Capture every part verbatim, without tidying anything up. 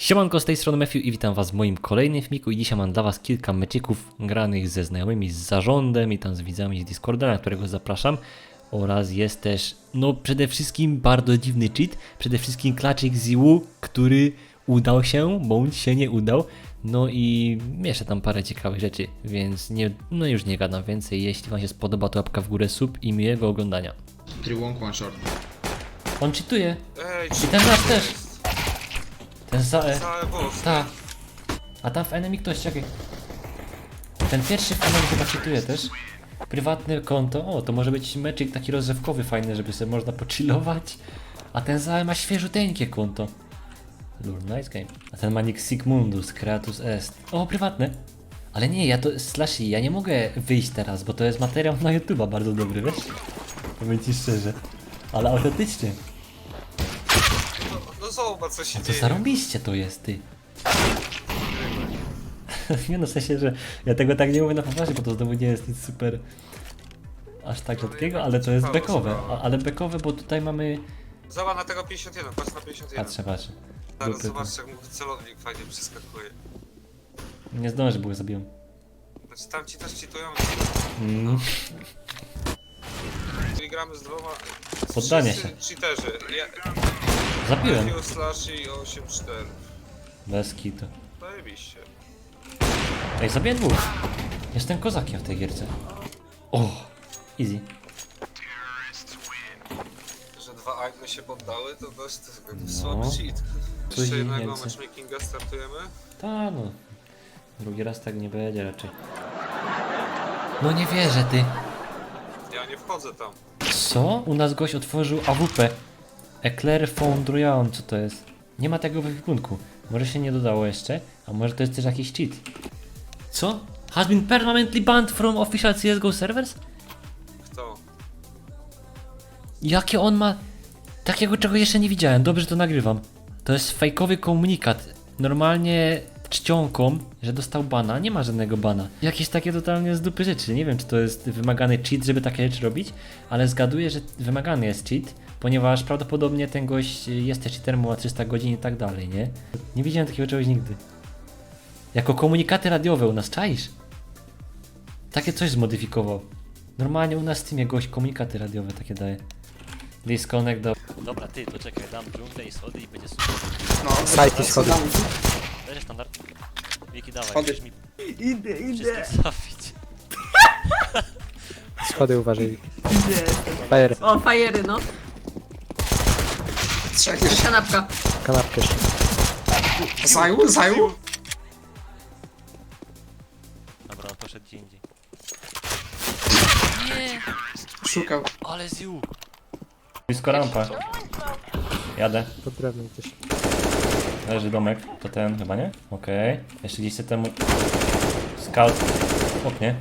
Siemanko, z tej strony Matthew i witam was w moim kolejnym filmiku i dzisiaj mam dla was kilka meczyków granych ze znajomymi, z zarządem i tam z widzami z Discorda, na którego zapraszam. Oraz jest też, no przede wszystkim bardzo dziwny cheat, przede wszystkim klaczyk z I U, który udał się, bądź się nie udał. No i jeszcze tam parę ciekawych rzeczy, więc nie, no już nie gadam więcej. Jeśli wam się spodoba, to łapka w górę, sub i miłego oglądania. trzy łąk, one short. On cheatuje. Ej, I ten nasz też. Ten za E. Całe boss. Tak. A tam w enemy ktoś, czekaj. Ten pierwszy w enemy chyba cheatuje też. Prywatne konto. O, to może być meczyk taki rozrywkowy, fajny, żeby sobie można pochillować. A ten za E ma świeżuteńkie konto. Lur, nice game. A ten ma nick Sigmundus, Creatus Est. O, prywatne. Ale nie, ja to, Slashy, ja nie mogę wyjść teraz, bo to jest materiał na YouTube'a bardzo dobry, wiesz? Powiem ci szczerze. Ale autentycznie. No, no zobacz co się To dzieje. zarąbiście to jest, ty. Nie no, w sensie, że ja tego tak nie mówię na poważnie, bo to znowu nie jest nic super aż tak rzadkiego, ale to jest bekowe. A, ale bekowe, bo tutaj mamy... Zobacz na tego pięćdziesiąt jeden, patrz na pięćdziesiąt jeden. Patrzę, patrzę. Zaraz Grupy, zobacz jak mu celownik fajnie przeskakuje. nie zdążę, bo go zabiłem. Znaczy tam ci też cheatują. Mm. Czyli gramy z dwoma... Poddanie Wszyscy cheaterzy. Ja, Zabiłem. Matthew, Slash i osiem cztery. Bez kitu. Zajebiście. Ej, zabiję dwóch. Jestem kozakiem w tej gierce. O, easy. Że dwa agny się poddały, to dość to No. słaby cheat. Coś Jeszcze jednego więcej. matchmakinga startujemy. Ta no. Drugi raz tak nie będzie raczej. No nie wierzę, ty. Ja nie wchodzę tam. Co? U nas gość otworzył A W P. Eclair Foundry, co to jest? Nie ma tego w ekwipunku. Może się nie dodało jeszcze, a może to jest też jakiś cheat. Co? Has been permanently banned from official C S G O servers? Kto? Jakie on ma... Takiego czego jeszcze nie widziałem, dobrze że to nagrywam. To jest fejkowy komunikat. Normalnie czcionką, że dostał bana, nie ma żadnego bana. Jakieś takie totalnie z dupy rzeczy. Nie wiem czy to jest wymagany cheat, żeby takie rzeczy robić, ale zgaduję, że wymagany jest cheat, ponieważ prawdopodobnie ten gość jest też cheaterem, ma trzysta godzin i tak dalej, nie? Nie widziałem takiego czegoś nigdy. Jako komunikaty radiowe u nas, czaisz? Takie coś zmodyfikował. Normalnie u nas w Steamie gość komunikaty radiowe takie daje. Disconnect do... Dobra, ty, to czekaj, dam dżunglę i schody i będzie super. No, Sajty schody. Będzie standard. Wiki, dawaj, Schody. musisz mi Idę, idę. wszystkich trafić. Schody uważaj. Fire, O, fajery, no. trzech jeszcze. Kanapka. kanapkę jeszcze. Zaju, zaju. Dobra, on poszedł gdzie indziej. Szukał. Ale ziu! Blisko rampa. Jadę. Pod drewnem gdzieś. Leży domek. To ten chyba, nie? Okej. Okay. Jeszcze gdzieś temu... Scout. Oknie.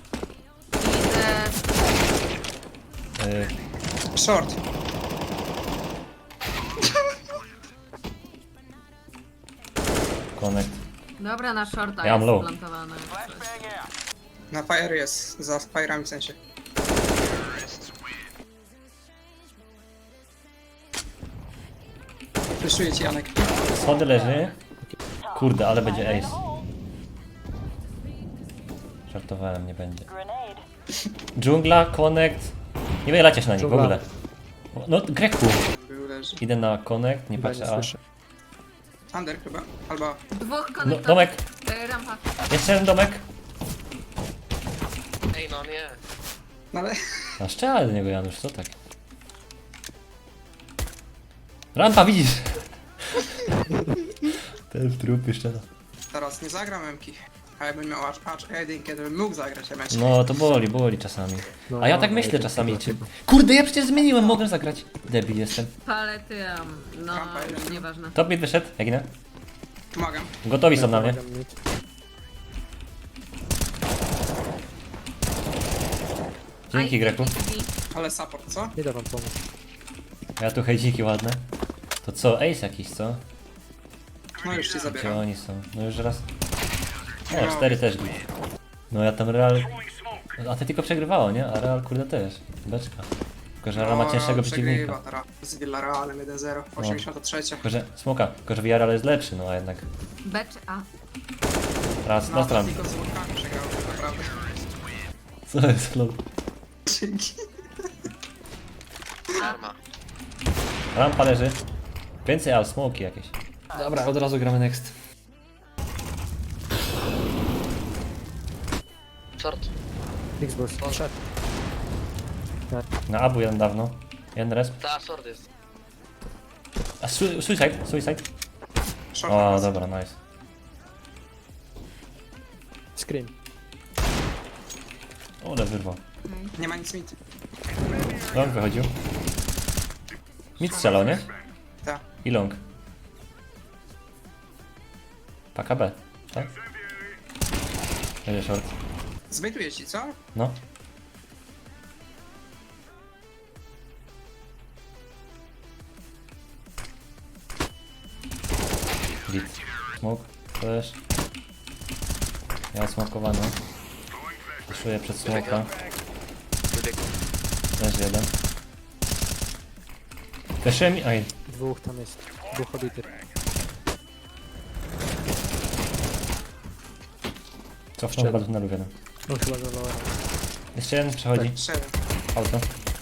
Idę. Yy, Short. connect. Dobra, na shorta Ja mam jest low. plantowane. Na fire jest, za fire'ami w sensie. Fleszuję ci, Janek. Schody leży. Kurde, ale będzie ace. Żartowałem, nie będzie. Dżungla, connect. Nie wyjelacie się na nich w Dżungla. ogóle. No, Greku. Był leży. Idę na connect, nie Chyba patrzę nie A. słyszę. Under chyba, albo... Dwóch No, konektorów. domek. E, rampa. Jeszcze jeden domek. Ej no nie. No ale... Na szczelę do niego, Janusz, co tak? Rampa, widzisz? Ten w trupy szczela. Teraz nie zagram Emki. A jakbym miał aż aż jedynkę, to bym mógł zagrać Emeczkę. No, to boli, boli czasami. No, A ja tak no, myślę ale czasami, to czy... chyba. Kurde, ja przecież zmieniłem, mogę zagrać. Debil jestem. Palety, um, no, Rampa jeden. nieważne. Top mid wyszedł, jak inne? Pomagam. Gotowi są na mnie. Pomagam mieć. Dzięki, Greku. Ale support, co? Idę wam pomóc. Ja tu hejdziki ładne. To co, ace jakiś, co? No już ci Gdzie zabieram. oni są? No już raz. O, cztery też git. No ja tam Real... Atletico przegrywało, nie? A Real kurde też. Beczka. Tylko, że Real ma cięższego przeciwnika. Przegrywa teraz z Villarrealem jeden zero. osiemdziesiąta trzecia. Tylko, że smoka, tylko, że Villarreal jest lepszy, no a jednak. B czy A? Raz, No, na stronę. tylko z Włokami przegrał, tak naprawdę. Co jest, lol? Dzięki. Arma. Rampa leży. Więcej, a smoki jakieś. Dobra, od razu gramy next. Short. Xbox. Przed. Na abu jeden dawno. Jeden resp. Ta, short jest. A su suicide, suicide. Short O, nas. dobra, nice. Scream. O, ale wyrwał. Nie ma nic mit. Long wychodził. Mid strzelał, nie? Tak. I long. Paka B, tak? Będzie short. Zbejtuję ci, co? No. Git. Smoke, flash. Ja smokowany. Puszuję przed smoka. Wybiegł. Też jeden. Flashuje mi... Aj. Dwóch tam jest. Dwóch obitych. Cofnął chyba do tunelu jeden. On chyba zawołał. Jeszcze jeden przechodzi. Szedłem. Auto.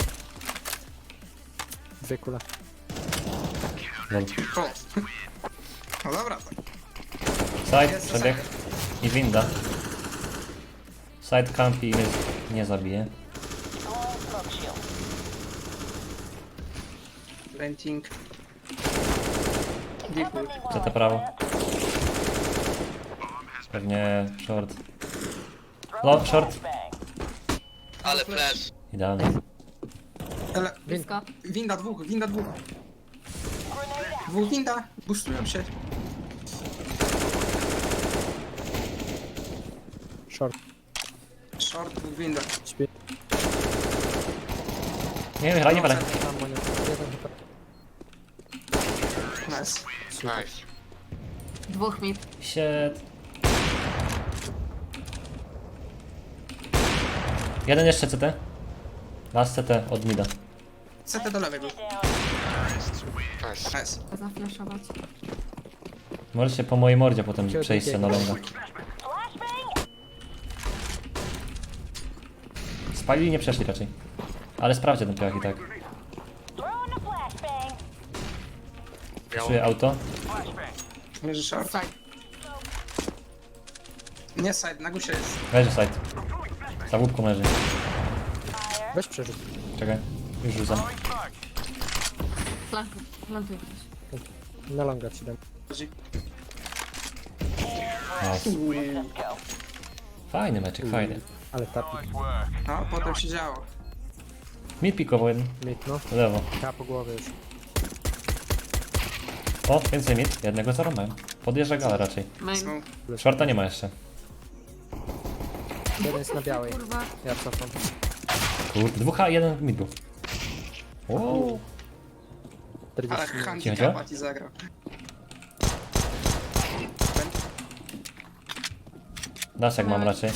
Dwie kule. Lol. O. No dobra, to. Side, Jest przebieg. I winda. Side campi mnie nie zabije. Renting. Deepuj. Co to prawo? Pewnie short. Low, short. Ale flash. Idealnie. Ale Blisko. winda dwóch, winda dwóch. Dwóch winda. Boostują się. Short. Short, dwóch winda. Śpi. Nie wiem, nie walę. Tam ma nie. Jeden chyba. Nice. Nice. Dwóch mid. Shit. Jeden jeszcze C T. Last C T od mida. C T do lewej był. Nice. Nice. Zaflaszować. Możecie po mojej mordzie potem przejść się na longa. Spalili, nie przeszli raczej. Ale sprawdźcie ten piach i tak. Czuję auto. Leży short. Side. Nie side, na gusie jest. Leży side. Za łupką leży. Weź przerzut. Czekaj. Już rzucam. Plantuj. Plantuj ktoś. Na longa ci dam. Chodzi. Nice. Fajny meczek, fajny. Ale tapi. No, potem się działo. Mid pikował jeden. Mid no. W lewo. Ja po głowie już. O, więcej mid. Jednego zarąbałem. Podjeżdża gala raczej. Main. Smoke. Shorta nie ma jeszcze. Jeden jest na białej. Kurwa. Ja cofam. Kurde, dwóch A, jeden mid był. O, Ale czterdzieści minut. handicapa ci zagrał. Daszek mam raczej.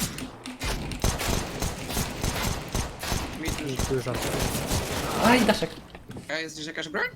Mid już. Mid dużo. Aj, Daszek. A jest gdzieś jakaś broń?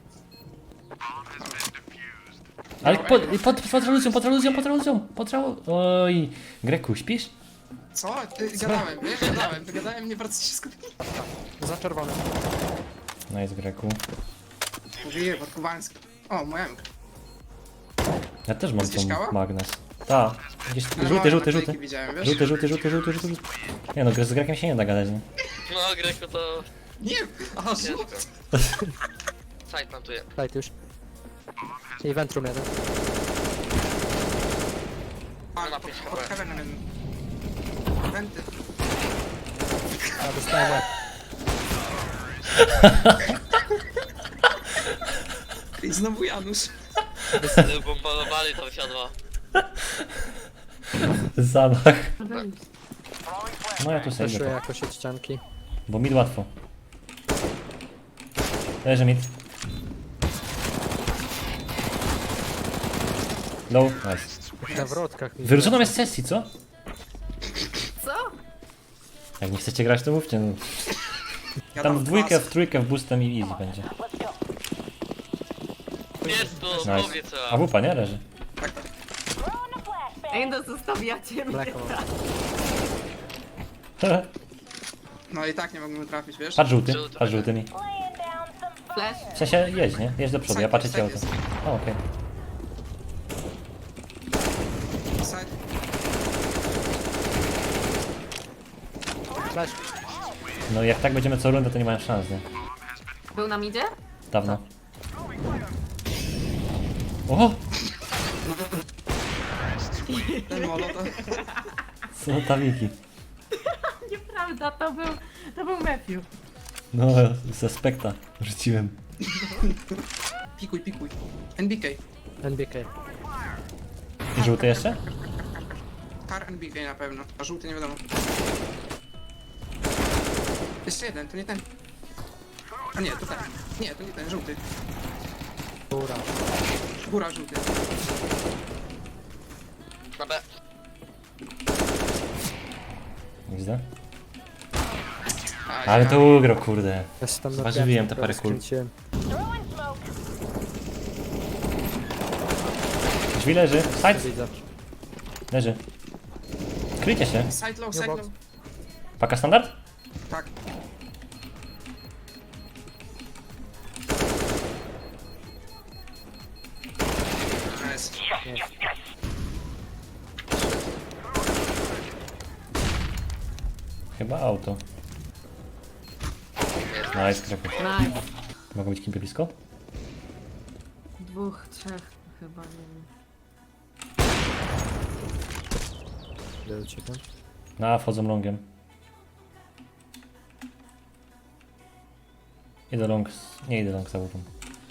Ale pod, pod, pod reluzją, pod reluzją, pod reluzją, pod reluzją. Oj, Greku, śpisz? Co? Ty, gadałem, wiesz? Gadałem, gadałem, nie bardzo się skupiłem. Za czerwony. Nice, Greku. Mówiłem, od Kubańska. O, moja M K. Ja też mam Jesteś tą kała? magnes. Ta, gdzieś Ale żółty, małe żółty, naklejki żółty. widziałem, wiesz? Żółty, żółty, żółty, żółty, żółty. Nie no, z Grekiem się nie da gadać, nie? No, Greku to Nie, aha, ciężko. żółty. Side plantuje. Daj już. I ventrum jeden. A, ma pod, pięć pod H P. heavenem jeden. Wenty. Ja dostałem łeb. I znowu Janusz. Bombardowali to siadło. Zamach. Rebeliusz. No ja tu sobie Fleszuję idę, jakoś od ścianki. bo mid łatwo. Leży mid. Low, nice. Na wrotkach. mi- Wyrzucono mnie z sesji, co? Co? Jak nie chcecie grać, to mówcie. No. Ja Tam dam w dwójkę, pas. w trójkę, w boostem i easy będzie. Jest to, Nice. powiedz A wupa, nie? Leży. Tak, tak. Ej, no zostawiacie mnie. Black Hole. No i tak nie mogłem trafić, wiesz? Patrz żółty, patrz żółty mi. Flash. W sensie jedź, nie? Jedź do przodu, ja patrzę cię o to. Side O, okej. jest. Side. Flash. No jak tak będziemy co rundę, to nie mają szans, nie? Był na midzie? Dawno. O! Ten molo to... Co ta wiki? Nieprawda, to był, to był Matthew. No, ze spekta rzuciłem. Pikuj, pikuj. N B K. N B K. Żółty jeszcze? Car N B K na pewno, a żółty nie wiadomo. Jeszcze jeden, to nie ten. A nie, to ten. Nie, to nie ten, żółty. Góra. Góra, żółty. Na B. Widzę. Aj, Ale aj. to ugrał, kurde. Ja się tam Zważywiłem te napiałem, parę kul. skręciłem. Drzwi leży. Side. Widzę. Leży. Kryjcie się. Side low, side box. low. Paka standard? Tak. Nice. Chyba auto. Nice, Kraków. Nice. Mogą być kimpy blisko? Dwóch, trzech chyba, nie wiem. Idę do ciebie. Na, wchodzą longiem. Idę long, z- nie idę long za łupą.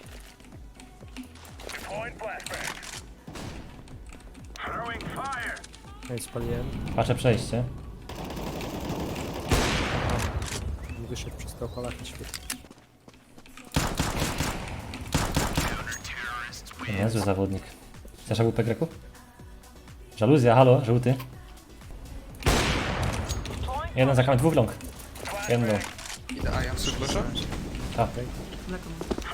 No i spaliłem. Patrzę przejście. Wyszedł przez to polak na świecie. Niezły zawodnik. Chcesz łupę Greku? Żaluzja, halo, żółty. Jeden za kamerą, dwóch long. Jeden long. Idę, a ja muszę. A, Mleko.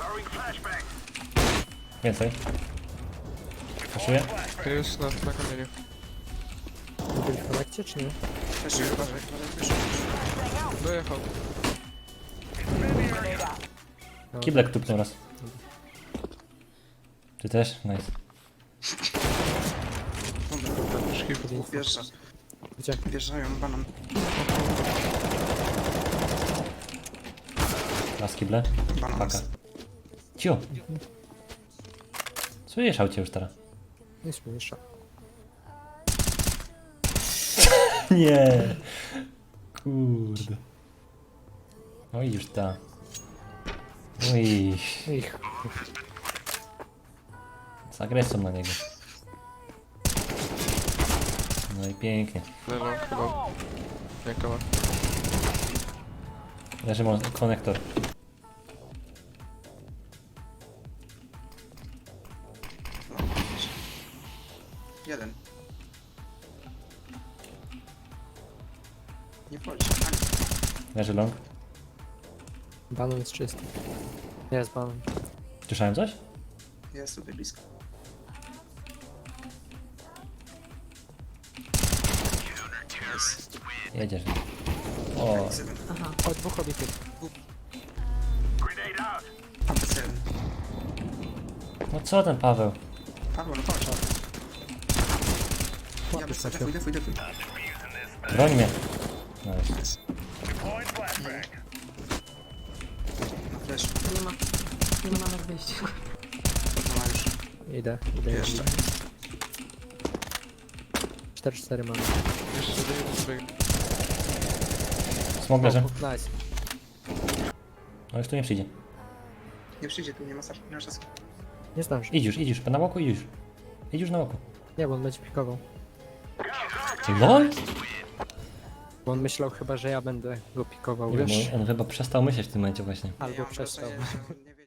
więcej. Kaszuję. Jest na, na kamieniu. Byli w konekcie, czy nie? Też uważaj, uważaj, wyszło. Dojechał. Kiblek tupnął raz. Ty też? Nice. Już kilku dni. Wjeżdża. Gdzie? Wjeżdżają, banan. Raz kible. Banan. Paka. Cio. Słyszysz aucie już teraz? Nic mniejsza. Nie. Kurde. No i już ta. No i Ich. z agresją na niego. No i pięknie. Lewo, chyba. Jaka Leży mon- konektor. Jeden. Nie wchodzi. Leży long. Banan jest czysty. Jest banan. Słyszałem coś? Jest tutaj blisko. Jest. Jedziesz. O, Jest jeden. Aha. O, dwóch obitych. Tam jest jeden. no co ten Paweł? Paweł, no chodź. Ja Łapiesz bez na defuj, defuj, defuj. Broń mnie. Nice. Flash. Nie ma, nie ma nawet wyjścia. No ma już. Idę, idę. Jeszcze. cztery cztery mamy. Jeszcze jeden sobie. Smok leży. Nice. No już tu nie przyjdzie. Nie przyjdzie tu, nie ma, nie ma czasu. Nie zdąży. Idź już, idź już. Na łoku, idź już. Idź już na łoku. Nie, bo on będzie pikował. Ty lol? Bo on myślał chyba, że ja będę go pikował, Nie wiem, wiesz? on chyba przestał myśleć w tym momencie właśnie. Albo Ja mam przestał. wrażenie, że on nie wie-